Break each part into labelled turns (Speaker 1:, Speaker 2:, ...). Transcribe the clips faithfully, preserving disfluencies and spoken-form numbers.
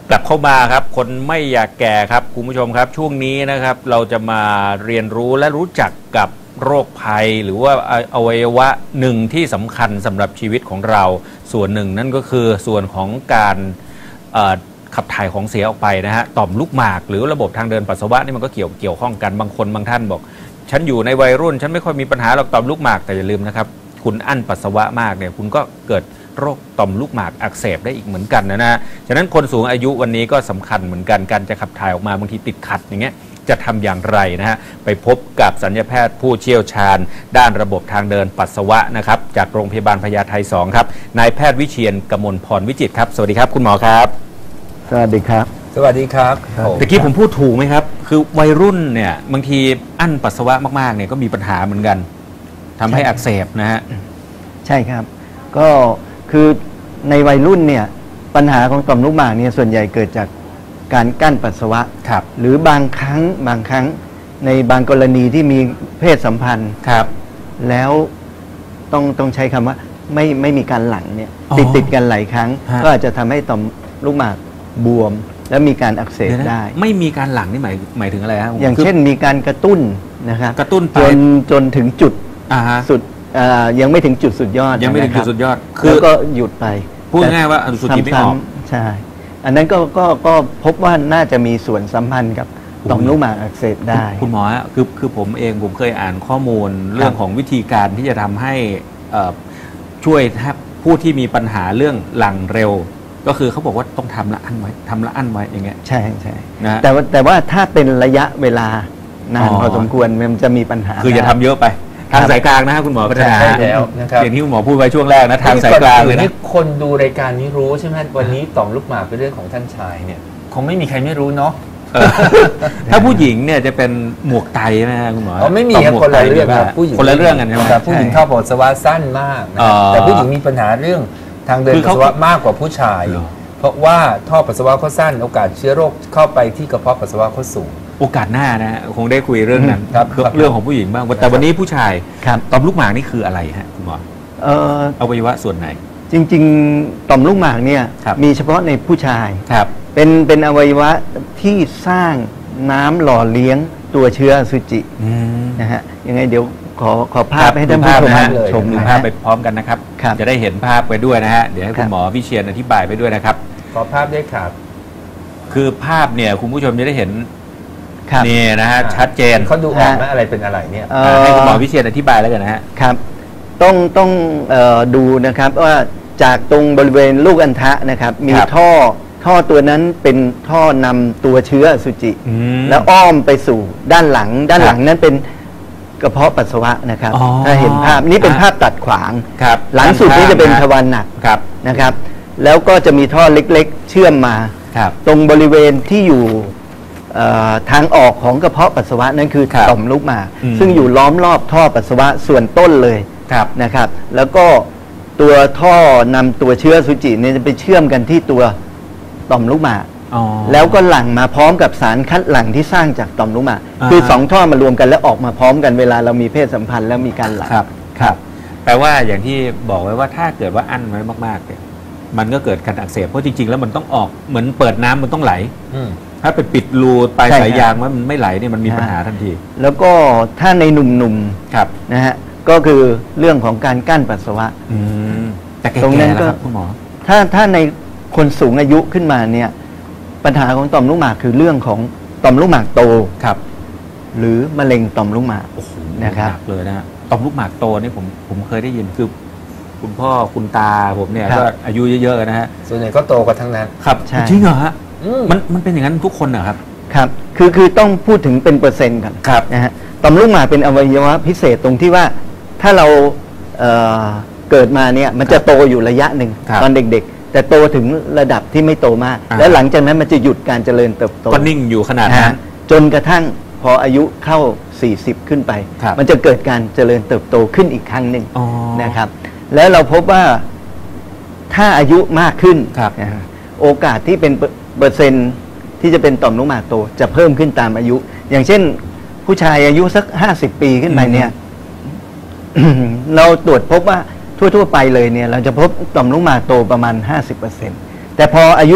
Speaker 1: กลับเข้ามาครับคนไม่อยากแก่ครับคุณผู้ชมครับช่วงนี้นะครับเราจะมาเรียนรู้และรู้จักกับโรคภัยหรือว่าอวัยวะหนึ่งที่สำคัญสำหรับชีวิตของเราส่วนหนึ่งนั่นก็คือส่วนของการขับถ่ายของเสียออกไปนะฮะต่อมลูกหมากหรือระบบทางเดินปัสสาวะนี่มันก็เกี่ยวเกี่ยวข้องกันบางคนบางท่านบอกฉันอยู่ในวัยรุ่นฉันไม่ค่อยมีปัญหาหรอกต่อมลูกหมากแต่อย่าลืมนะครับคุณอั้นปัสสาวะมากเนี่ยคุณก็เกิดโรคต่อมลูกหมากอักเสบได้อีกเหมือนกันนะนะฉะนั้นคนสูงอายุวันนี้ก็สำคัญเหมือนกันการจะขับถ่ายออกมาบางทีติดขัดอย่างเงี้ยจะทำอย่างไรนะฮะไปพบกับศัลยแพทย์ผู้เชี่ยวชาญด้านระบบทางเดินปัสสาวะนะครับจากโรงพยาบาลพญาไทสองครับนายแพทย์วิเชียรกมลพรวิจิตรครับสวัสดีครับคุณหมอครับ
Speaker 2: สวัสดีครับ
Speaker 3: สวัสดีครับ
Speaker 1: ตะกี้ผมพูดถูกไหมครับคือวัยรุ่นเนี่ยบางทีอั้นปัสสาวะมากๆเนี่ยก็มีปัญหาเหมือนกันทำให้อักเสบนะฮะ
Speaker 2: ใช่ครับก็คือในวัยรุ่นเนี่ยปัญหาของต่อมลูกหมากเนี่ยส่วนใหญ่เกิดจากการกั้นปัสสาวะ
Speaker 1: ครับ
Speaker 2: หรือบางครั้งบางครั้งในบางกรณีที่มีเพศสัมพันธ์
Speaker 1: ครับ
Speaker 2: แล้วต้องต้องใช้คำว่าไม่ไม่มีการหลั่งเนี่ยติดติดกันหลายครั้งก็อาจจะทำให้ต่อมลูกหมากบวมและมีการอักเสบได้
Speaker 1: ไม่มีการหลั่งนี่หมายหมายถึงอะไรครับ
Speaker 2: อย่างเช่นมีการกระตุ้นนะครับ
Speaker 1: กระตุ้น
Speaker 2: จนจนถึงจุดสุดยังไม่ถึงจุดสุดยอด
Speaker 1: ยังไม่ถึงจุดสุดยอด
Speaker 2: คือก็หยุดไป
Speaker 1: พูดง่ายว่าอนุสุจิไม่ออก
Speaker 2: ใช่อันนั้นก็ก็ก็พบว่าน่าจะมีส่วนสัมพันธ์กับต่อมลูกหมากอักเสบได้
Speaker 1: คุณหมอคือคือผมเองผมเคยอ่านข้อมูลเรื่องของวิธีการที่จะทำให้ช่วยผู้ที่มีปัญหาเรื่องหลั่งเร็วก็คือเขาบอกว่าต้องทำละอั้นไว้ทำละอั้นไว้อย่างเงี้ย
Speaker 2: ใช่ใช่นะแต่ว่าแต่ว่าถ้าเป็นระยะเวลานานพอสมควรมันจะมีปัญหา
Speaker 1: คืออย่าทำเยอะไปทางสายกลางนะฮะคุณหมอพัฒนา
Speaker 3: แล้วนะครับ
Speaker 1: อย่างที่คุณหมอพูดไว้ช่วงแรกนะทางสายกลางเลยนะ
Speaker 3: คนดูรายการนี้รู้ใช่ไหมวันนี้ต่อมลูกหมากเป็นเรื่องของท่านชายเนี่ยคงไม่มีใครไม่รู้เนาะ
Speaker 1: ถ้าผู้หญิงเนี่ยจะเป็นหมวกไตนะฮะคุณหมอ
Speaker 3: อ๋อไม่มีครับคนละเรื่องครับ
Speaker 1: ผู้หญิงคนละเรื่องกันใช่ไหม
Speaker 3: ผู้หญิงท่อปัสสาวะสั้นมากแต่ผู้หญิงมีปัญหาเรื่องทางเดินปัสสาวะมากกว่าผู้ชายเพราะว่าท่อปัสสาวะเขาสั้นโอกาสเชื้อโรคเข้าไปที่กระเพาะปัสสาวะเขาสูง
Speaker 1: โอกาสหน้านะคงได้คุยเรื่องนั้นเรื่องของผู้หญิงบ้างแต่วันนี้ผู้ชายต่อมลูกหมากนี่คืออะไรฮะคุณหมออวัยวะส่วนไหน
Speaker 2: จริงๆต่อมลูกหมากเนี่ยมีเฉพาะในผู้ชาย
Speaker 1: ครับ
Speaker 2: เป็นเป็นอวัยวะที่สร้างน้ำหล่อเลี้ยงตัวเชื้ออสุจินะฮะยังไงเดี๋ยวขอขอภาพให้ท่านผู้ชม
Speaker 1: ชมดูภาพไปพร้อมกันนะครับจะได้เห็นภาพไปด้วยนะฮะเดี๋ยวให้คุณหมอวิเชียรอธิบายไปด้วยนะครับ
Speaker 3: ขอภาพด้วยครับ
Speaker 1: คือภาพเนี่ยคุณผู้ชมจะได้เห็นนี่นะฮะชัดเจน
Speaker 3: เขาดูออกไหมอะไรเป็นอะไรเนี่ย
Speaker 1: ให้คุณหมอวิเชียรอธิบายแล้วกันนะฮะ
Speaker 2: ครับต้องต้องดูนะครับว่าจากตรงบริเวณลูกอัณฑะนะครับมีท่อท่อตัวนั้นเป็นท่อนำตัวเชื้ออสุจิแล้วอ้อมไปสู่ด้านหลังด้านหลังนั้นเป็นกระเพาะปัสสาวะนะครับถ้าเห็นภาพนี้เป็นภาพตัดขวางหลังสุดนี้จะเป็นทวารหนักนะครับแล้วก็จะมีท่อเล็กๆเชื่อมมาตรงบริเวณที่อยู่ทางออกของกระเพาะปัสสาวะนั่นคือต่อมลูกหมากซึ่งอยู่ล้อมรอบท่อปัสสาวะส่วนต้นเลยนะครับแล้วก็ตัวท่อนำตัวเชื้ออสุจิเนี่ยจะไปเชื่อมกันที่ตัวต่อมลูกหมากแล้วก็หลั่งมาพร้อมกับสารคัดหลั่งที่สร้างจากต่อมลูกหมากคือสองท่อมารวมกันแล้วออกมาพร้อมกันเวลาเรามีเพศสัมพันธ์แล้วมีการหลั่ง
Speaker 1: ครับครับแปลว่าอย่างที่บอกไว้ว่าถ้าเกิดว่าอั้นไว้มากๆเนี่ยมันก็เกิดการอักเสบเพราะจริงๆแล้วมันต้องออกเหมือนเปิดน้ำมันต้องไหลถ้าไปปิดรูปลายสายยางมันไม่ไหลเนี่ยมันมีปัญหาทันที
Speaker 2: แล้วก็ถ้าในหนุ่มๆครับนะฮะก็คือเรื่องของการกั้นปัสสาวะ
Speaker 1: แต่ตรงนั้นก็คุณหมอ
Speaker 2: ถ้าถ้าในคนสูงอายุขึ้นมาเนี่ยปัญหาของต่อมลูกหมากคือเรื่องของต่อมลูกหมากโต
Speaker 1: ครับ
Speaker 2: หรือมะเร็งต่อมลูกหมาก
Speaker 1: นะครับเลยนะต่อมลูกหมากโตนี่ผมผมเคยได้ยินคือคุณพ่อคุณตาผมเนี่ยก็อายุเยอะๆนะฮะ
Speaker 3: ส่วนใหญ่ก็โตกันทั้งนั้น
Speaker 1: ครับจริงเหรอฮะมันมันเป็นอย่างนั้นทุกคนเหรอครับ
Speaker 2: ครับคือคือต้องพูดถึงเป็นเปอร์เซ็นต์กันนะฮะต่อมลูกหมากเป็นอวัยวะพิเศษตรงที่ว่าถ้าเราเเกิดมาเนี่ยมันจะโตอยู่ระยะหนึ่งตอนเด็กๆแต่โตถึงระดับที่ไม่โตมากแล้วหลังจากนั้นมันจะหยุดการเจริญเติบโต
Speaker 1: ก็นิ่งอยู่ขนาดนั้น
Speaker 2: จนกระทั่งพออายุเข้าสี่สิบขึ้นไปมันจะเกิดการเจริญเติบโตขึ้นอีกครั้งหนึ่งนะครับแล้วเราพบว่าถ้าอายุมากขึ้นโอกาสที่เป็นเปอร์เซ็นต์ที่จะเป็นต่อมลูกหมากโตจะเพิ่มขึ้นตามอายุอย่างเช่นผู้ชายอายุสักห้าสิบปีขึ้นไปเนี่ย เราตรวจพบว่าทั่วๆไปเลยเนี่ยเราจะพบต่อมลูกหมากโตประมาณ ห้าสิบเปอร์เซ็นต์ แต่พออายุ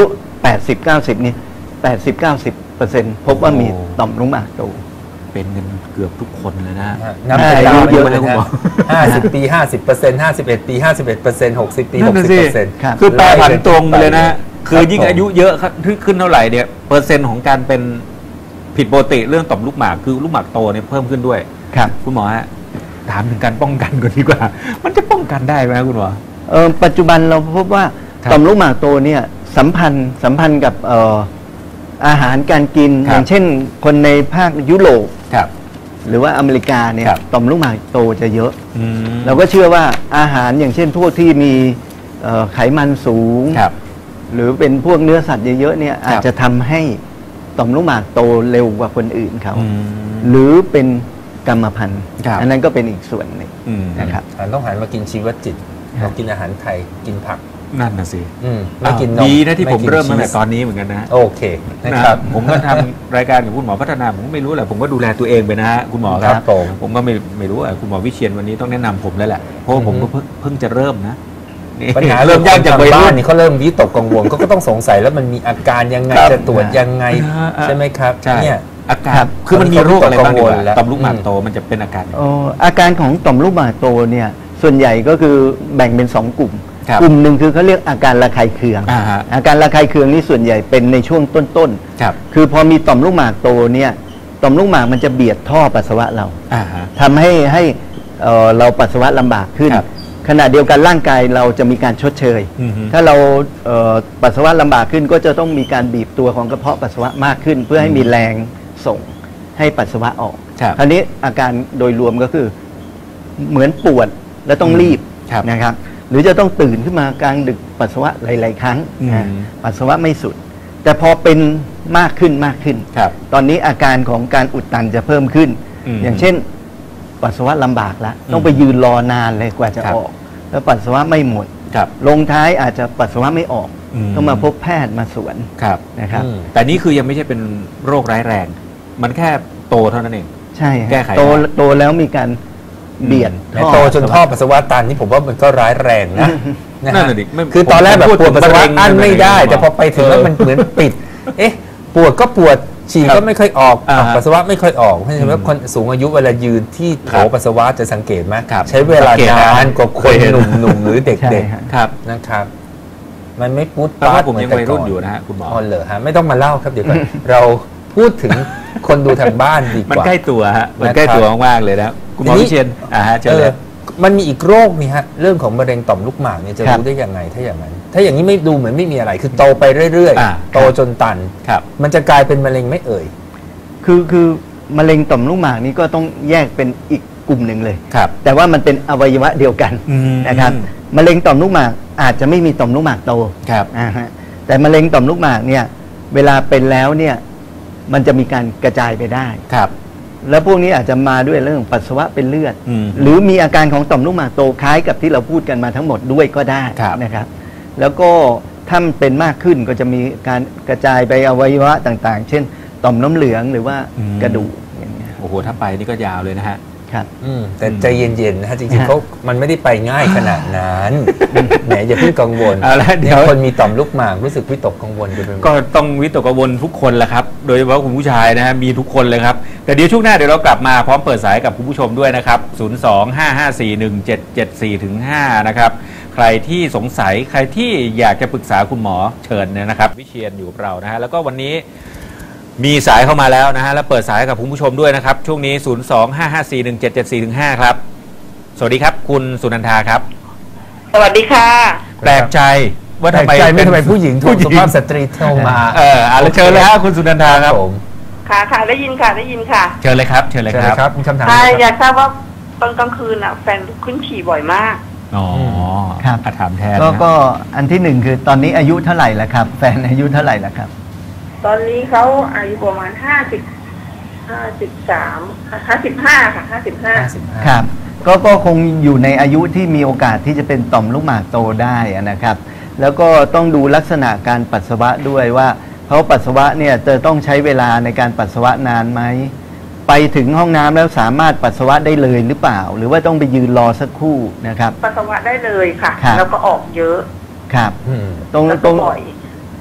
Speaker 2: แปดสิบ เก้าสิบ นี่ แปดสิบ เก้าสิบเปอร์เซ็นต์ พบว่ามีต่อมลูกหมากโต
Speaker 1: เป็นกันเกือบทุกคนเลยนะ
Speaker 3: นับเป็นดาวเยอะเลยคุณหมอห้าสิบปีห้าสิบเปอร์เซ็นต์ห้าสิบเอ็ดปีห้าสิบเอ็ดเปอร์เซ็นต์หกสิบปีหกสิบเปอร์เซ็นต์
Speaker 1: คือแปรผันตรงเลยนะคือยิ่งอายุเยอะขึ้นเท่าไหร่เนี่ยเปอร์เซ็นต์ของการเป็นผิดปกติเรื่องต่อมลูกหมากคือลูกหมากโตเนี่ยเพิ่มขึ้นด้วย
Speaker 2: ครับ
Speaker 1: คุณหมอฮะถามถึงการป้องกันก่อนดีกว่ามันจะป้องกันได้ไหมคุณหมอ
Speaker 2: เออปัจจุบันเราพบว่าต่อมลูกหมากโตเนี่ยสัมพันธ์สัมพันธ์กับเอ่ออาหารการกินอย่างเช่นคนในภาคยุโรปหรือว่าอเมริกาเนี่ยต่อมลูกหมากโตจะเยอะเราก็เชื่อว่าอาหารอย่างเช่นพวกที่มีไขมันสูงหรือเป็นพวกเนื้อสัตว์เยอะๆเนี่ยอาจจะทำให้ต่อมลูกหมากโตเร็วกว่าคนอื่นเขาหรือเป็นกรรมพันธุ์อันนั้นก็เป็นอีกส่วนหนึ่งนะครับ
Speaker 3: ต้องหันมากินชีวจิตเรากินอาหารไทยกินผัก
Speaker 1: นั่นน่ะสิ
Speaker 3: ไม่กินนม
Speaker 1: ดีนะที่ผมเริ่มตั้งแต่ตอนนี้เหมือนกันนะ
Speaker 3: โอเค
Speaker 1: นะครับผมก็ทำรายการกับคุณหมอพัฒนาผมไม่รู้แหละผมก็ดูแลตัวเองไปนะฮะคุณหมอครับผมก็ไม่ไม่รู้อ่ะคุณหมอวิเชียรวันนี้ต้องแนะนำผมแล้วแหละเพราะผมก็เพิ่งจะเริ่มนะ
Speaker 3: ปัญหาเริ่มยากจากวัยรุ่นนี่เขาเริ่มวิตกกังวลก็ต้องสงสัยแล้วมันมีอาการยังไงจะตรวจยังไงใช่ไหมครับ
Speaker 1: เนี่ยอาการคือมันมีโรคอะไรบ้างต่อมลูกหมากโตมันจะเป็นอาการ
Speaker 2: อาการของต่อมลูกหมากโตเนี่ยส่วนใหญ่ก็คือแบ่งเป็นสองกลุ่มกลุ่มหนึ่งคือเขาเรียกอาการระคายเคือง อาการระคายเคืองนี่ส่วนใหญ่เป็นในช่วงต้นๆคือพอมีต่อมลูกหมากโตเนี่ยต่อมลูกหมากมันจะเบียดท่อปัสสาวะเราทำให้ให้เราปัสสาวะลำบากขึ้นขณะเดียวกันร่างกายเราจะมีการชดเชยถ้าเราปัสสาวะลำบากขึ้นก็จะต้องมีการบีบตัวของกระเพาะปัสสาวะมากขึ้นเพื่อให้มีแรงส่งให้ปัสสาวะออกคราวนี้อาการโดยรวมก็คือเหมือนปวดและต้องรีบนะครับหรือจะต้องตื่นขึ้นมากลางดึกปัสสาวะหลายๆครั้งปัสสาวะไม่สุดแต่พอเป็นมากขึ้นมากขึ้นตอนนี้อาการของการอุดตันจะเพิ่มขึ้นอย่างเช่นปัสสาวะลำบากแล้วต้องไปยืนรอนานเลยกว่าจะออกแล้วปัสสาวะไม่หมดลงท้ายอาจจะปัสสาวะไม่ออกต้องมาพบแพทย์มาสวนนะครับ
Speaker 1: แต่นี่คือยังไม่ใช่เป็นโรคร้ายแรงมันแค่โตเท่านั้นเอง
Speaker 2: ใช่แก้ไขโตโตแล้วมีการเบียด
Speaker 3: โตจนท่อปัสสาวะตันนี่ผมว่ามันก็ร้ายแรงนะนั่นแหละดิคือตอนแรกแบบปวดปัสสาวะอั้นไม่ได้แต่พอไปถึงแล้วมันเหมือนปิดเอ๊ะปวดก็ปวดฉี่ก็ไม่ค่อยออกปัสสาวะไม่ค่อยออกเพราะฉะนั้นคนสูงอายุเวลายืนที่โถปัสสาวะจะสังเกตไหมใช้เวลานานกว่าคนหนุ่มๆหรือเด็กๆนะครับมันไม่ปุ๊บ
Speaker 1: ปั๊บผมยังวัยรุ่นอยู่นะฮะคุณหมอ
Speaker 3: อ๋อเหรอฮะไม่ต้องมาเล่าครับเดี๋ยวก่อนเราพูดถึงคนดูทางบ้านดีกว่า
Speaker 1: มันใกล้ตัวฮะมันใกล้ตัวมากๆเลยนะคุณหมอวิเชียรอ่าฮะเจอ
Speaker 3: มันมีอีกโรคนี่ฮะเรื่องของมะเร็งต่อมลูกหมากเนี่ยจะรู้ได้ยังไงถ้าอย่างนั้นถ้าอย่างนี้ไม่ดูเหมือนไม่มีอะไรคือโตไปเรื่อยๆโตจนตันมันจะกลายเป็นมะเร็งไม่เอ่ย
Speaker 2: คือคือมะเร็งต่อมลูกหมากนี้ก็ต้องแยกเป็นอีกกลุ่มหนึ่งเลยแต่ว่ามันเป็นอวัยวะเดียวกันนะครับมะเร็งต่อมลูกหมากอาจจะไม่มีต่อมลูกหมากโตแต่มะเร็งต่อมลูกหมากเนี่ยเวลาเป็นแล้วเนี่ยมันจะมีการกระจายไปได้ครับแล้วพวกนี้อาจจะมาด้วยเรื่องปัสสาวะเป็นเลือดหรือมีอาการของต่อมลูกหมากโตคล้ายกับที่เราพูดกันมาทั้งหมดด้วยก็ได้นะครับแล้วก็ถ้ามันเป็นมากขึ้นก็จะมีการกระจายไปอวัยวะต่างๆเช่นต่อมน้ำเหลืองหรือว่ากระดูกอย่างเงี้ย
Speaker 1: โอ้โหถ้าไปนี่ก็ยาวเลยนะฮะ
Speaker 2: ครับ
Speaker 3: แต่ใจเย็นๆนะฮะจริงๆเขามันไม่ได้ไปง่ายขนาดนั้นแหมอย่าเพิ่งกังวลเนี่ยคนมีต่อมลูกหมากรู้สึกวิตกกังวลกัน
Speaker 1: ก็ต้องวิตกกังวลทุกคนแหละครับโดยเฉพาะคุณผู้ชายนะฮะมีทุกคนเลยครับแต่เดี๋ยวช่วงหน้าเดี๋ยวเรากลับมาพร้อมเปิดสายกับคุณผู้ชมด้วยนะครับศูนย์ สอง ห้า ห้า สี่ หนึ่ง เจ็ด เจ็ด สี่ ถึง ห้านะครับใครที่สงสัยใครที่อยากจะปรึกษาคุณหมอเชิญนะครับวิเชียรอยู่กับเรานะฮะแล้วก็วันนี้มีสายเข้ามาแล้วนะฮะแล้วเปิดสายกับคุณผู้ชมด้วยนะครับช่วงนี้ศูนย์ สอง ห้า ห้า สี่ หนึ่ง เจ็ด เจ็ด สี่ ถึง ห้าครับสวัสดีครับคุณสุนันทาครับ
Speaker 4: สวัสดีค่ะ
Speaker 1: แปลกใจว่าทำไม
Speaker 3: ไม่ทำไมผู้หญิงโทรสุภาพสตรีโทรมา
Speaker 1: เอออะไรเชิญเลยฮะคุณสุนันทาครับผม
Speaker 4: ค่ะค่ะได้ยินค่ะได้ยินค่ะ
Speaker 1: เชิญเลยครับเชิญเลยครับ
Speaker 3: มีคำถาม
Speaker 4: อยากทราบว่าตอนกลางคืนอ่ะแฟนขึ้นฉี่บ่อยมาก
Speaker 1: อ๋อ
Speaker 2: ครับ
Speaker 1: ถามแทน
Speaker 2: ก็อันที่หนึ่งคือตอนนี้อายุเท่าไหร่แล้วครับแฟนอายุเท่าไหร่แล้วครับ
Speaker 4: ตอนนี้เขาอายุประมาณห้าสิบห้าสิบสามห้าสิบห้าค่ะห้าสิบห้า
Speaker 2: ครับก็ก็คงอยู่ในอายุที่มีโอกาสที่จะเป็นต่อมลูกหมากโตได้นะครับแล้วก็ต้องดูลักษณะการปัสสาวะด้วยว่าเขาปัสสาวะเนี่ยจะต้องใช้เวลาในการปัสสาวะนานไหมไปถึงห้องน้ำแล้วสามารถปัสสาวะได้เลยหรือเปล่าหรือว่าต้องไปยืนรอสักครู่นะครับ
Speaker 4: ปัสสาวะได้เลยค่ะแล้วก็ออกเยอะ
Speaker 2: ครับ
Speaker 4: ตรงตรง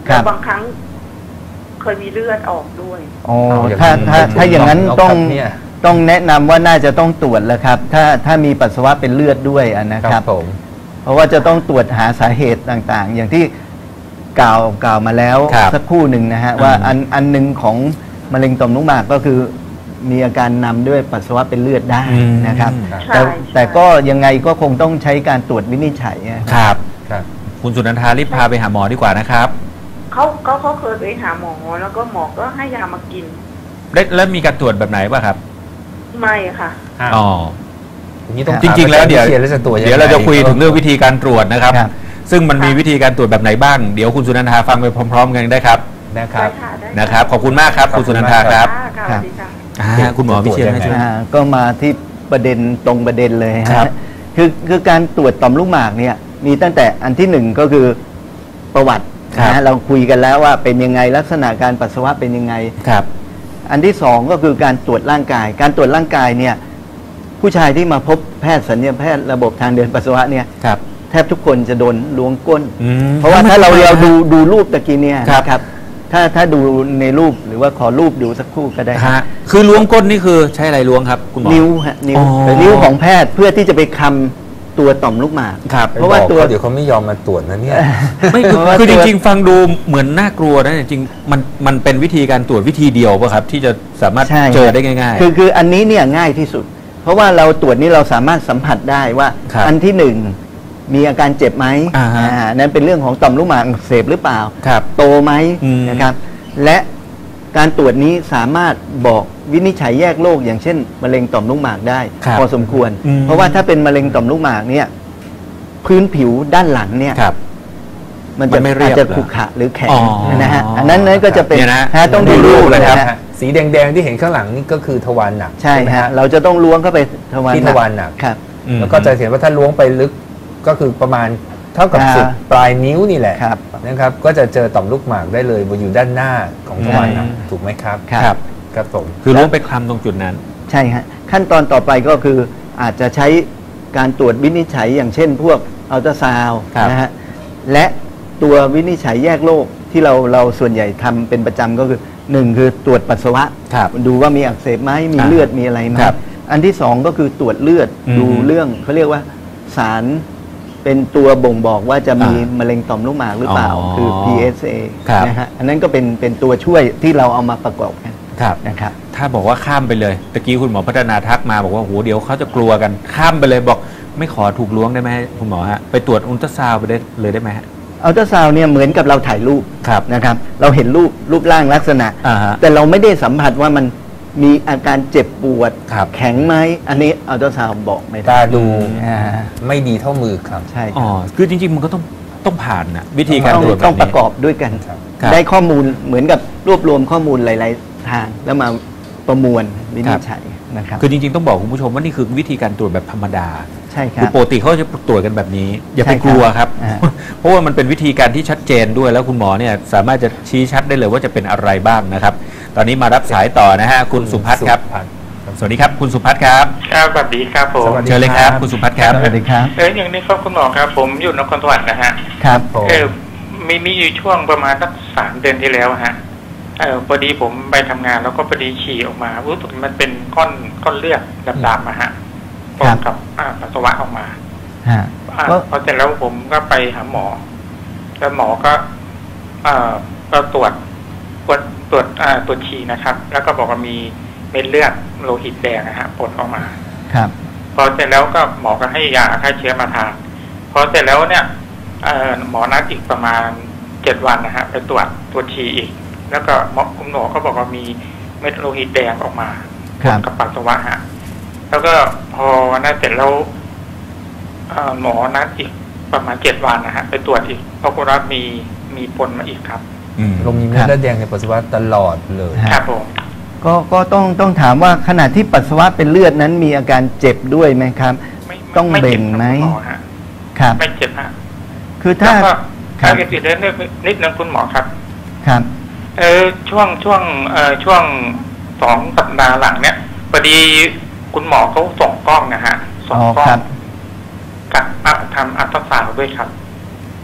Speaker 2: ครับ
Speaker 4: แล้วบางครั้งเคยมีเลือดออกด้วย
Speaker 2: อ๋อ
Speaker 3: เอาอย่าง
Speaker 2: ถ้า
Speaker 3: นั้น
Speaker 2: ถ้า
Speaker 3: ไม่ถูก
Speaker 2: ถ้าอย่างนั้น
Speaker 3: ต้อง
Speaker 2: ต้อง
Speaker 3: ครับเนี่ย
Speaker 2: ต้องแนะนำว่าน่าจะต้องตรวจแล้วครับ ถ้าถ้ามีปัสสาวะเป็นเลือดด้วยอะนะ
Speaker 3: ค
Speaker 2: ค
Speaker 3: รั
Speaker 2: รั
Speaker 3: บบ ผม
Speaker 2: เพราะว่าจะต้องตรวจหาสาเหตุต่างๆ อย่างที่กล่าวกล่าวมาแล้ว
Speaker 1: ครับ
Speaker 2: สักครู่หนึ่งนะฮะ
Speaker 1: อืม
Speaker 2: ว่าอันอันหนึ่งของมะเร็งต่อมลูกหมากก็คือมีอาการนำด้วยปัสสาวะเป็นเลือดได้นะครับ
Speaker 4: ใช่
Speaker 2: แต่
Speaker 4: ใช่
Speaker 2: แต่ก็ยังไงก็คงต้องใช้การตรวจวินิจฉัยอะ
Speaker 1: ครับ
Speaker 3: ครับ
Speaker 1: คุณสุนันทารีบพาไปหาหมอดีกว่านะครับ
Speaker 4: เขาเขาเขาเคยไปหาหมอแล้วก็หมอก็ให้ยามากิน
Speaker 1: แล้วแล้วมีการตรวจแบบไหนป่ะครับ
Speaker 4: ไม่ค่ะ
Speaker 1: อ๋อ
Speaker 3: อย่างนี้ต้อง
Speaker 1: จริงๆแล้วเดี๋ยว
Speaker 3: ถามอาจารย์วิชีนแล้วจะตรวจยังไง
Speaker 1: เดี๋ยวเราจะคุยถึงเรื่องวิธีการตรวจนะครับ
Speaker 2: ครับ
Speaker 1: ซึ่งมันมีวิธีการตรวจแบบไหนบ้าง เดี๋ยวคุณสุนันทาฟังไปพร้อม ๆ กันได้ครับ
Speaker 3: นะครับ
Speaker 4: ได้ค่ะได้
Speaker 1: นะครับ ขอบคุณมากครับ คุณสุนันทาครับ
Speaker 4: ค่ะค่ะสวัสดีค่ะ
Speaker 1: อ่าคุณหมอวิเชียรให้ช่วย
Speaker 2: อ่าก็มาที่ประเด็นตรงประเด็นเลย
Speaker 1: ครั
Speaker 2: ฮะ
Speaker 1: บ
Speaker 2: คือคือการตรวจต่อมลูกหมากเนี่ยมีตั้งแต่อันที่หนึ่งก็คือประวัติ
Speaker 1: ครับ
Speaker 2: นะฮะเราคุยกันแล้วว่าเป็นยังไงลักษณะการปัสสาวะเป็นยังไง
Speaker 1: ครับ
Speaker 2: อันที่สองก็คือการตรวจร่างกาย การตรวจร่างกายเนี่ยผู้ชายที่มาพบแพทย์สัญญาแพทย์ระบบทางเดินปัสสาวะเนี่ย
Speaker 1: ครับ
Speaker 2: แทบทุกคนจะโดนล้วงก้น
Speaker 1: อืม
Speaker 2: เพราะว่าถ้าเรา
Speaker 1: ทำไม
Speaker 2: เรา
Speaker 1: ฮะ
Speaker 2: ดูดูรูปตะกี้เนี่ย
Speaker 1: ครับ
Speaker 2: นะครับถ้าถ้าดูในรูปหรือว่าขอรูปดูสักครู่ก็ได้
Speaker 1: ฮะคือล้วงก้นนี่คือใช้อะไรล้วงครับ คุณหมอ
Speaker 2: นิ้วฮะนิ้ว
Speaker 1: อ๋อ
Speaker 2: นิ้วของแพทย์เพื่อที่จะไปคำตัวต่อมลูกหมาก
Speaker 1: ครับ
Speaker 2: เพราะว่าตัว
Speaker 3: เดี๋ยวเขาไม่ยอมมาตรวจนะเนี่ย
Speaker 1: ไม่คือ
Speaker 2: เพราะว่า
Speaker 1: คือ
Speaker 2: ตั
Speaker 1: จ
Speaker 2: ว
Speaker 1: ริงๆ ฟังดูเหมือนน่ากลัวนะจริงๆมันมันเป็นวิธีการตรวจวิธีเดียวป่ะครับ ที่จะสามารถ
Speaker 2: ใช่
Speaker 1: เจอได้ง่ายๆ
Speaker 2: คือคืออันนี้เนี่ยง่ายที่สุด เพราะว่าเราตรวจนี้เราสามารถสัมผัสได้ว่า
Speaker 1: ครับ
Speaker 2: อันที่หนึ่งมีอาการเจ็บไหม
Speaker 1: อ่าฮะ
Speaker 2: อ่านั่นเป็นเรื่องของต่อมลูกหมากอักเสบหรือเปล่า
Speaker 1: ครับ
Speaker 2: โตไหม
Speaker 1: อืม
Speaker 2: นะครับ และการตรวจนี้สามารถบอกวินิจฉัยแยกโรคอย่างเช่นมะเร็งต่อมลูกหมากได้
Speaker 1: ครับ
Speaker 2: พอสมควร
Speaker 1: อืม
Speaker 2: เพราะว่าถ้าเป็นมะเร็งต่อมลูกหมากเนี่ยพื้นผิวด้านหลังเนี่ย
Speaker 1: ครับ
Speaker 2: มัน
Speaker 1: มั
Speaker 2: จะ
Speaker 1: นไม่เรี
Speaker 2: อาจ
Speaker 1: ยบ
Speaker 2: จะ
Speaker 1: เหรอ
Speaker 2: ขรุขระหรือแข็ง
Speaker 1: อ๋อ
Speaker 2: นะฮะอันนั้นนั้นก็จะเป็น
Speaker 1: เนี่ยนะ
Speaker 2: ฮะต้องดูรูป
Speaker 1: เลยครับ
Speaker 2: นะฮะ
Speaker 3: สีแดงๆที่เห็นข้างหลังนี่ก็คือทวารหนัก
Speaker 2: ใช่
Speaker 3: ไหม
Speaker 2: ฮะเราจะต้องล้วงเข้าไปทวาร
Speaker 3: ที่ทวารหนัก
Speaker 2: ครับ
Speaker 1: อืม
Speaker 3: แล้วก็จะเห็นว่าถ้าล้วงไปลึกก็คือประมาณเท่ากับ
Speaker 2: อ่า
Speaker 3: สุดปลายนิ้วนี่แหละ
Speaker 2: ครับ
Speaker 3: นะครับ ก็จะเจอต่อมลูกหมากได้เลยอยู่ด้านหน้าของทวารหนัก
Speaker 1: อืม
Speaker 3: ถูกไหมครับ
Speaker 2: ครับ
Speaker 3: ครับผม
Speaker 1: คือล้วงไปคลำตรงจุดนั้น
Speaker 2: ใช่ฮะขั้นตอนต่อไปก็คืออาจจะใช้การตรวจวินิจฉัยอย่างเช่น พวกอัลตราซาวด์
Speaker 1: ครับ
Speaker 2: นะฮะและตัววินิจฉัยแยกโรคที่เราเราส่วนใหญ่ทำเป็นประจำก็คือหนึ่งคือตรวจปัสสาวะ
Speaker 1: ครับ
Speaker 2: ดูว่ามีอักเสบไหมมี
Speaker 1: อ่า
Speaker 2: เลือดมีอะไรไหม
Speaker 1: ครับ
Speaker 2: อันที่สองก็คือตรวจเลือด
Speaker 1: อืม
Speaker 2: ดูเรื่องเขาเรียกว่าสารเป็นตัวบ่งบอกว่าจะมี
Speaker 1: อ่าม
Speaker 2: ะเร็งต่อมลูกหมากหรือเปล่า
Speaker 1: อ๋อ
Speaker 2: คือ พี เอส เอ
Speaker 1: ครับ
Speaker 2: นะฮะอันนั้นก็เป็นเป็นตัวช่วยที่เราเอามาประกอบกัน
Speaker 1: ครับ
Speaker 2: นะครับ
Speaker 1: ถ้าบอกว่าข้ามไปเลยตะกี้คุณหมอพัฒนาทักมาบอกว่าโหเดี๋ยวเขาจะกลัวกันข้ามไปเลยบอกไม่ขอถูกล้วงได้ไหมคุณหมอฮะไปตรวจอุลตราซาวด์ไปได้เลยได้ไหมฮะ
Speaker 2: อัลตราซาวน์เนี่ยเหมือนกับเราถ่ายรูป
Speaker 1: ครับ
Speaker 2: นะครับ เราเห็นรูปรูปร่างลักษณะ
Speaker 1: อ่าฮะ
Speaker 2: แต่เราไม่ได้สัมผัสว่ามันมีอาการเจ็บปวด
Speaker 1: ครับ
Speaker 2: แข็งไหมอันนี้อัลตราซาวน์บอกไม่ได้
Speaker 3: ตาดู
Speaker 2: อ่า
Speaker 3: ไม่ดีเท่ามือครับ
Speaker 2: ใช่ค
Speaker 1: อ๋อ
Speaker 2: รับ
Speaker 1: คือจริงๆ มันก็ต้องต้องผ่านนะวิธีการ
Speaker 2: ต้อง
Speaker 1: ตรวจแบบ
Speaker 2: ต้องประ
Speaker 1: นี้
Speaker 2: กอบด้วยกัน
Speaker 3: ครับ
Speaker 1: ครับ
Speaker 2: ได้ข้อมูลเหมือนกับรวบรวมข้อมูลหลาย ๆ ทาง แล้วมาประมวลวินิจฉัยนะครับ
Speaker 1: คือจริงๆ ต้องบอกคุณผู้ชมว่านี่คือวิธีการตรวจแบบธรรมดา
Speaker 2: ใช่ค
Speaker 1: คื
Speaker 2: รั
Speaker 1: อบ ปกติเขาจะตรวจกันแบบนี้ อย่าไป
Speaker 2: ใช่ครับ
Speaker 1: กลัวครับ
Speaker 2: อ่า
Speaker 1: เพราะว่ามันเป็นวิธีการที่ชัดเจนด้วยแล้วคุณหมอเนี่ยสามารถจะชี้ชัดได้เลยว่าจะเป็นอะไรบ้างนะครับ ตอนนี้มารับสายต่อนะฮะคุณสุพัฒน์ครับ สวัสดีครับ คุณสุพัฒน์ครับ
Speaker 5: ครับสวัสดีครับผม
Speaker 3: สวัสดี
Speaker 1: เชิญเลยครับ คุณสุพัฒน์ครับ
Speaker 2: สวัสดีครับ
Speaker 5: เอออย่างนี้ครับคุณหมอครับ ผมอยู่นครสวรรค์นะฮะ
Speaker 2: ครับ
Speaker 3: ผม
Speaker 5: เออมีมีอยู่ช่วงประมาณสักสามเดือนที่แล้วฮะเออพอดีผมไปทำงานแล้วก็พอดีฉี่ออกมารู้สึกมันเป็นก้อนก้อนเลือดดำๆมาฮะพร้อมกับอ่าปัสสาวะออกมา
Speaker 2: ฮะ
Speaker 5: อ่า
Speaker 2: ก็
Speaker 5: พอเสร็จแล้วผมก็ไปหาหมอ แล้วหมอก็เอ่อก็ตรวจตรวจตรวจอ่าตรวจฉี่นะครับ แล้วก็บอกว่ามีเม็ดเลือดโลหิตแดงนะฮะปนออกมา
Speaker 2: ครับ
Speaker 5: พอเสร็จแล้วก็หมอก็ให้ยาฆ่าเชื้อมาทานพอเสร็จแล้วเนี่ยเอ่อหมอนัดอีกประมาณเจ็ดวันนะฮะไปตรวจตรวจฉี่อีก แล้วก็หมอคุณหมอก็บอกว่ามีเม็ดโลหิตแดงออกมา
Speaker 2: ครับ
Speaker 5: กับปัสสาวะฮะแล้วก็พอนัดเสร็จแล้วเอ่อหมอนัดอีกประมาณเจ็ดวันนะฮะไปตรวจอีกปรากฏว่ามีมีปนมาอีกครับ
Speaker 1: อืม
Speaker 3: ลมมีเม็ดเลือดแดงในปัสสาวะตลอดเลย
Speaker 2: ฮะ
Speaker 5: ครับผม
Speaker 2: ก็ก็ต้องต้องถามว่าขณะที่ปัสสาวะเป็นเลือดนั้นมีอาการเจ็บด้วยไหมครับ
Speaker 5: ไม่ไม่
Speaker 2: ต้อง
Speaker 5: ไม่
Speaker 2: เบ่
Speaker 5: จ็
Speaker 2: ง
Speaker 5: ครับ
Speaker 2: ไหม
Speaker 5: คุณหมอฮะ
Speaker 2: ครับ
Speaker 5: ไม่เจ็บฮะ
Speaker 2: คือถ้า
Speaker 5: แล้วก็
Speaker 2: ครั
Speaker 5: ถ้า
Speaker 2: บ
Speaker 5: เกิดติดเรื่องนิดนึงคุณหมอครับ
Speaker 2: ครับ
Speaker 5: เออช่วงช่วงเอ่อช่วงสองสัปดาห์หลังเนี่ยพอดีคุณหมอเขาส่งกล้องนะฮะส่
Speaker 2: อ๋
Speaker 5: ง
Speaker 2: อก
Speaker 5: ล้อ
Speaker 2: ครั
Speaker 5: ง
Speaker 2: บ
Speaker 5: กับอ่ะทำอัลตราซาวด์ด้วยครับ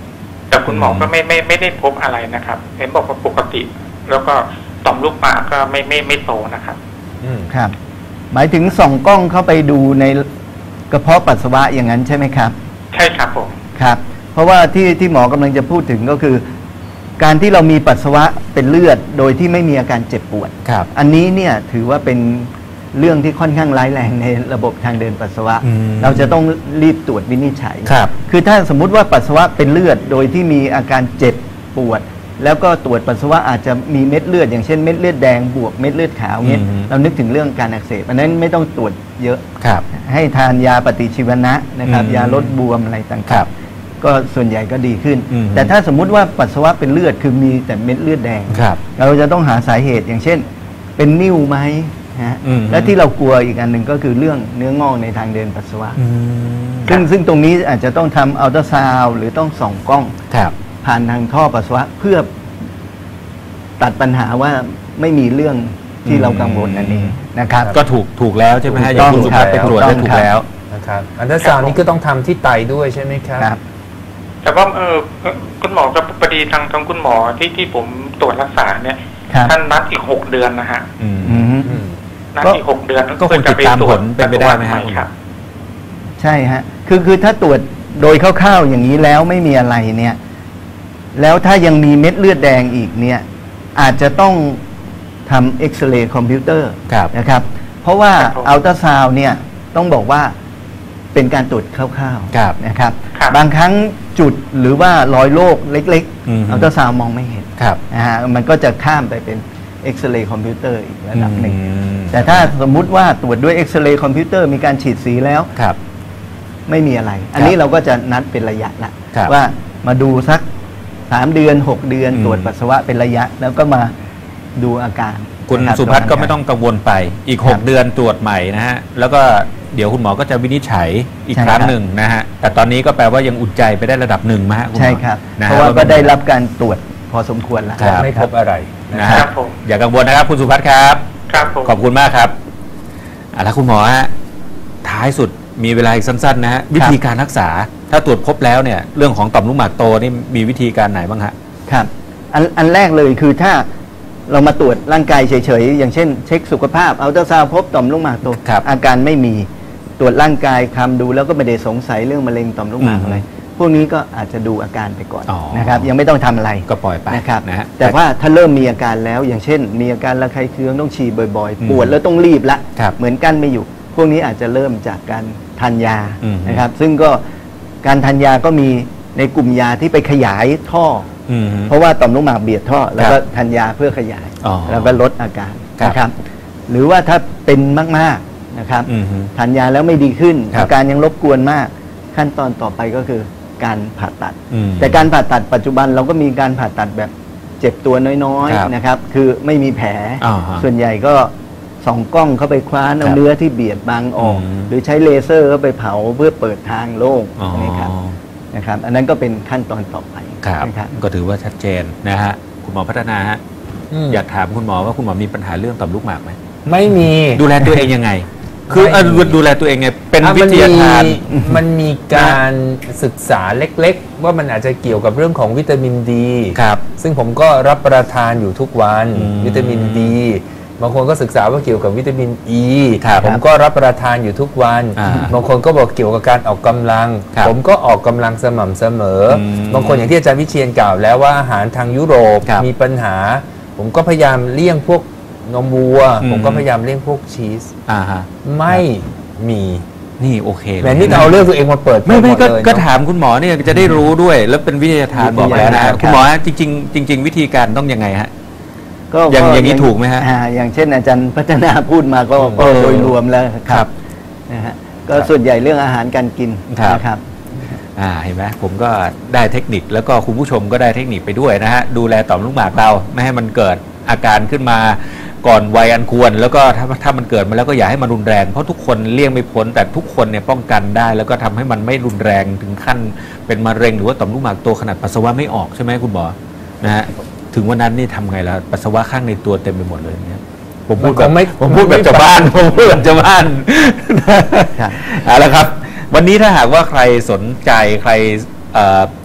Speaker 5: แต่คุณหมอก็ไม่ไม่ไม่ได้พบอะไรนะครับเห็นบอกว่าปกติ แล้วก็ต่อมลูกหมากก็ไม่ไม่ไม่โตนะครับ
Speaker 2: ครับ หมายถึงส่องกล้องเข้าไปดูในกระเพาะปัสสาวะอย่างนั้นใช่ไหมครับ
Speaker 5: ใช่ครับผม
Speaker 2: ครับเพราะว่าที่ที่หมอกำลังจะพูดถึงก็คือ การที่เรามีปัสสาวะเป็นเลือดโดยที่ไม่มีอาการเจ็บปวด
Speaker 3: ครับ
Speaker 2: อันนี้เนี่ยถือว่าเป็นเรื่องที่ค่อนข้างร้ายแรงในระบบทางเดินปัสสาวะเราจะต้องรีบตรวจวินิจฉัย
Speaker 3: ครับ
Speaker 2: คือถ้าสมมุติว่าปัสสาวะเป็นเลือดโดยที่มีอาการเจ็บปวดแล้วก็ตรวจปัสสาวะอาจจะมีเม็ดเลือดอย่างเช่นเม็ดเลือดแดงบวกเม็ดเลือดขาวเงี้ยเรานึกถึงเรื่องการอักเสบอันนั้นไม่ต้องตรวจเยอะให้ทานยาปฏิชีวนะนะครับยาลดบวมอะไรต่างๆก็ส่วนใหญ่ก็ดีขึ้นแต่ถ้าสมมุติว่าปัสสาวะเป็นเลือดคือมีแต่เม็ดเลือดแดงเราจะต้องหาสาเหตุอย่างเช่นเป็นนิ่วไหมฮะและที่เรากลัวอีกอันหนึ่งก็คือเรื่องเนื้องอกในทางเดินปัสสาวะซึ่งซึ่งตรงนี้อาจจะต้องทำอัลตราซาวด์หรือต้องส่องกล้องผ่านทางท่อปัสสาวะเพื่อตัดปัญหาว่าไม่มีเรื่องที่เรากังวลนั่นเองนะครับ
Speaker 1: ก็ถูกถูกแล้วใช่ไหมฮะอย่างคุณสุภาพไปตรวจได้ถูกแล้ว
Speaker 3: นะครับอัลตราซาวด์นี้ก็ต้องทำที่ไตด้วยใช่ไหมครับ
Speaker 5: แต่ว่าเออคุณหมอกับพอดีทางทางคุณหมอที่ที่ผมตรวจรักษาเนี่ยท่านนัดอีกหกเดือนนะฮะนัดอีกหกเดือน
Speaker 1: ก็คงติดตามผลเป็นไปได้ไหมครับ
Speaker 2: ใช่ฮะคือคือถ้าตรวจโดยคร่าวๆอย่างนี้แล้วไม่มีอะไรเนี่ยแล้วถ้ายังมีเม็ดเลือดแดงอีกเนี่ยอาจจะต้องทำเอ็กซเรย์คอมพิวเตอร์นะครับเพราะว่าอัลตราซาวน์เนี่ยต้องบอกว่าเป็นการตรวจคร่าวๆนะครับบางครั้งจุดหรือว่ารอยโรคเล็กๆอัลตราซาวน์มองไม่เห็นนะฮะมันก็จะข้ามไปเป็นเอ็กซเรย์คอมพิวเตอร์อีกระดับหนึ่งแต่ถ้าสมมุติว่าตรวจด้วยเอ็กซเรย์คอมพิวเตอร์มีการฉีดสีแล้วไม่มีอะไรอันนี้เราก็จะนัดเป็นระยะละว่ามาดูสักสามเดือนหกเดือนตรวจปัสสาวะเป็นระยะแล้วก็มาดูอาการ
Speaker 1: คุณสุพัฒน์ก็ไม่ต้องกังวลไปอีกหกเดือนตรวจใหม่นะฮะแล้วก็เดี๋ยวคุณหมอก็จะวินิจฉัยอีกครั้งหนึ่งนะฮะแต่ตอนนี้ก็แปลว่ายังอุ่นใจไปได้ระดับหนึ่งมั้ยฮะ
Speaker 2: ใช่ครับเพราะว่าก็ได้รับการตรวจพอสมควรแล้ว
Speaker 3: ไม่พบอะไร
Speaker 1: นะครับอย่ากังวลนะครับคุณสุพัฒน์ครับ
Speaker 5: ครับผม
Speaker 1: ขอบคุณมากครับอ่ะแล้วคุณหมอฮะท้ายสุดมีเวลาอีกสั้นๆนะฮะวิธีการรักษาถ้าตรวจพบแล้วเนี่ยเรื่องของต่อมลูกหมากโตนี่มีวิธีการไหนบ้างฮะ
Speaker 2: ครับอันอันแรกเลยคือถ้าเรามาตรวจร่างกายเฉยๆอย่างเช่นเช็คสุขภาพอัลตราซาวด์พบต่อมลูกหมากโตอาการไม่มีตรวจร่างกายคำดูแล้วก็ไม่ได้สงสัยเรื่องมะเร็งต่อมลูกหมากอะไรพวกนี้ก็อาจจะดูอาการไปก่อนนะครับยังไม่ต้องทำอะไร
Speaker 1: ก็ปล่อยไป
Speaker 2: นะครับนะแต่ว่าถ้าเริ่มมีอาการแล้วอย่างเช่นมีอาการระคายเคืองต้องฉี่บ่อยๆปวดแล้วต้องรีบละเหมือนกันไม่อยู่พวกนี้อาจจะเริ่มจากการทานยานะครับซึ่งก็การทานยาก็มีในกลุ่มยาที่ไปขยายท่อเพราะว่าต่อมลูกหมากเบียดท่อแล้วก็ทานยาเพื่อขยายแล้วก็ลดอาการนะครับหรือว่าถ้าเป็นมากๆนะครับทานยาแล้วไม่ดีขึ้นอาการยังรบกวนมากขั้นตอนต่อไปก็คือการผ่าตัดแต่การผ่าตัดปัจจุบันเราก็มีการผ่าตัดแบบเจ็บตัวน้อยๆนะครับคือไม่มีแผลส่วนใหญ่ก็ส่องกล้องเข้าไปคว้านเอาเนื้อที่เบียดบังออกหรือใช้เลเซอร์เข้าไปเผาเพื่อเปิดทางโล่งนะครับนะครับอันนั้นก็เป็นขั้นตอนต่อไป
Speaker 1: ครับก็ถือว่าชัดเจนนะฮะคุณหมอพัฒนาฮะอยากถามคุณหมอว่าคุณหมอมีปัญหาเรื่องต่อมลูกหมากไหม
Speaker 3: ไม่มี
Speaker 1: ดูแลตัวเองยังไงคือดูแลตัวเองไงเป็นวิทยาทาน
Speaker 3: มันมีการศึกษาเล็กๆว่ามันอาจจะเกี่ยวกับเรื่องของวิตามินดี
Speaker 1: ครับ
Speaker 3: ซึ่งผมก็รับประทานอยู่ทุกวันวิตามินดีบางคนก็ศึกษาว่าเกี่ยวกับวิตามินอีผมก็รับประทานอยู่ทุกวันบางคนก็บอกเกี่ยวกับการออกกำลังผมก็ออกกำลังสม่ำเสมอบางคนอย่างที่อาจารย์วิเชียรกล่าวแล้วว่าอาหารทางยุโรปมีปัญหาผมก็พยายามเลี่ยงพวกนมวัวผมก็พยายามเลี่ยงพวกชีสไม่มี
Speaker 1: นี่โอเค
Speaker 3: แต่นี่เอาเรื่องตัวเองมาเปิด
Speaker 1: ไม่ไม่ก็ถามคุณหมอเนี่ยจะได้รู้ด้วยแล้วเป็นวิทยาทานบอกแล้วนะคุณหมอจริงๆจริงๆวิธีการต้องยังไงฮะก็อย่างอย่างนี้ถูกไหมฮะ
Speaker 2: อย่างเช่นอาจารย์พัฒนาพูดมาก็โดยรวมแล้วครับนะฮะก็ส่วนใหญ่เรื่องอาหารการกินนะครับ
Speaker 1: อ่าเห็นไหมผมก็ได้เทคนิคแล้วก็คุณผู้ชมก็ได้เทคนิคไปด้วยนะฮะดูแลต่อมลูกหมากเราไม่ให้มันเกิดอาการขึ้นมาก่อนวัยอันควรแล้วก็ถ้าถ้ามันเกิดมาแล้วก็อย่าให้มันรุนแรงเพราะทุกคนเลี่ยงไม่พ้นแต่ทุกคนเนี่ยป้องกันได้แล้วก็ทำให้มันไม่รุนแรงถึงขั้นเป็นมะเร็งหรือว่าต่อมลูกหมากโตขนาดปัสสาวะไม่ออกใช่ไหมคุณหมอนะฮะถึงวันนั้นนี่ทำไงล่ะปัสสาวะข้างในตัวเต็มไปหมดเลยเนี่ยผมพูดแบบผมพูดแบบชาวบ้านผมพูดแบบชาวบ้านเอาละครับวันนี้ถ้าหากว่าใครสนใจใคร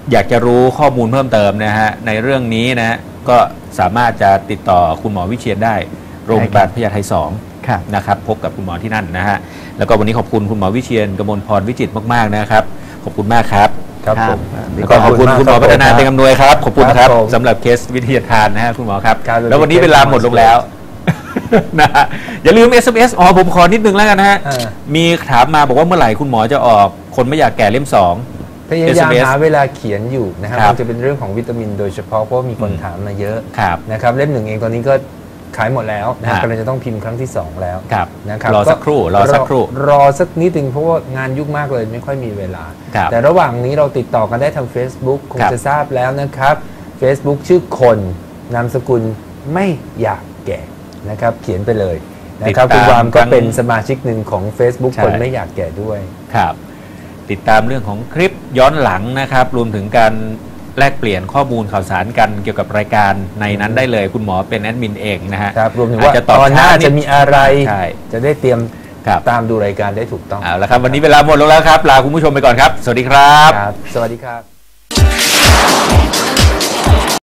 Speaker 1: อยากจะรู้ข้อมูลเพิ่มเติมนะฮะในเรื่องนี้นะฮะก็สามารถจะติดต่อคุณหมอวิเชียรได้โรงพยาบาลพญาไทสองนะครับพบกับคุณหมอที่นั่นนะฮะแล้วก็วันนี้ขอบคุณคุณหมอวิเชียรกมลพรวิจิตรมากๆนะครับขอบคุณมากครับ
Speaker 3: ครับผม
Speaker 1: แล้วก็ขอบคุณคุณหมอพัฒนาเต็งอำนวยครับขอบคุณครับสำหรับเคสวิทยาทานนะฮะคุณหมอครับแล้ววันนี้เวลาหมดลงแล้วนะฮะอย่าลืม เอส เอ็ม เอส อ๋อผมขอนิดนึงแล้วกันนะฮะมีถามมาบอกว่าเมื่อไหร่คุณหมอจะออกคนไม่อยากแก่เล่มสอง
Speaker 3: พยายามหาเวลาเขียนอยู่นะครับมันจะเป็นเรื่องของวิตามินโดยเฉพาะเพราะมีคนถามมาเยอะนะครับเล่มหนึ่งเองตอนนี้ก็ขายหมดแล้วนะครับกำลังจะต้องพิมพ์ครั้งที่สองแล้ว
Speaker 1: นะครับรอสักครู่รอสักครู่
Speaker 3: รอสักนิดนึงเพราะว่างานยุ่งมากเลยไม่ค่อยมีเวลาแต่ระหว่างนี้เราติดต่อกันได้ทาง Facebook คงจะทราบแล้วนะครับ Facebook ชื่อคนนามสกุลไม่อยากแก่นะครับเขียนไปเลยนะครับคุณวามก็เป็นสมาชิกหนึ่งของ Facebook คนไม่อยากแก่ด้วย
Speaker 1: ครับติดตามเรื่องของคลิปย้อนหลังนะครับรวมถึงการแลกเปลี่ยนข้อมูลข่าวสารกันเกี่ยวกับรายการในนั้นได้เลยคุณหมอเป็นแอดมินเองนะฮะ
Speaker 3: ครับรวมถึงว่าตอนหน้าจะมีอะไรจะได้เตรียมตามดูรายการได้ถูกต้อง
Speaker 1: เอาละครับวันนี้เวลาหมดลงแล้วครับลาคุณผู้ชมไปก่อนครับสวัสดีครับ
Speaker 3: สวัสดีครับ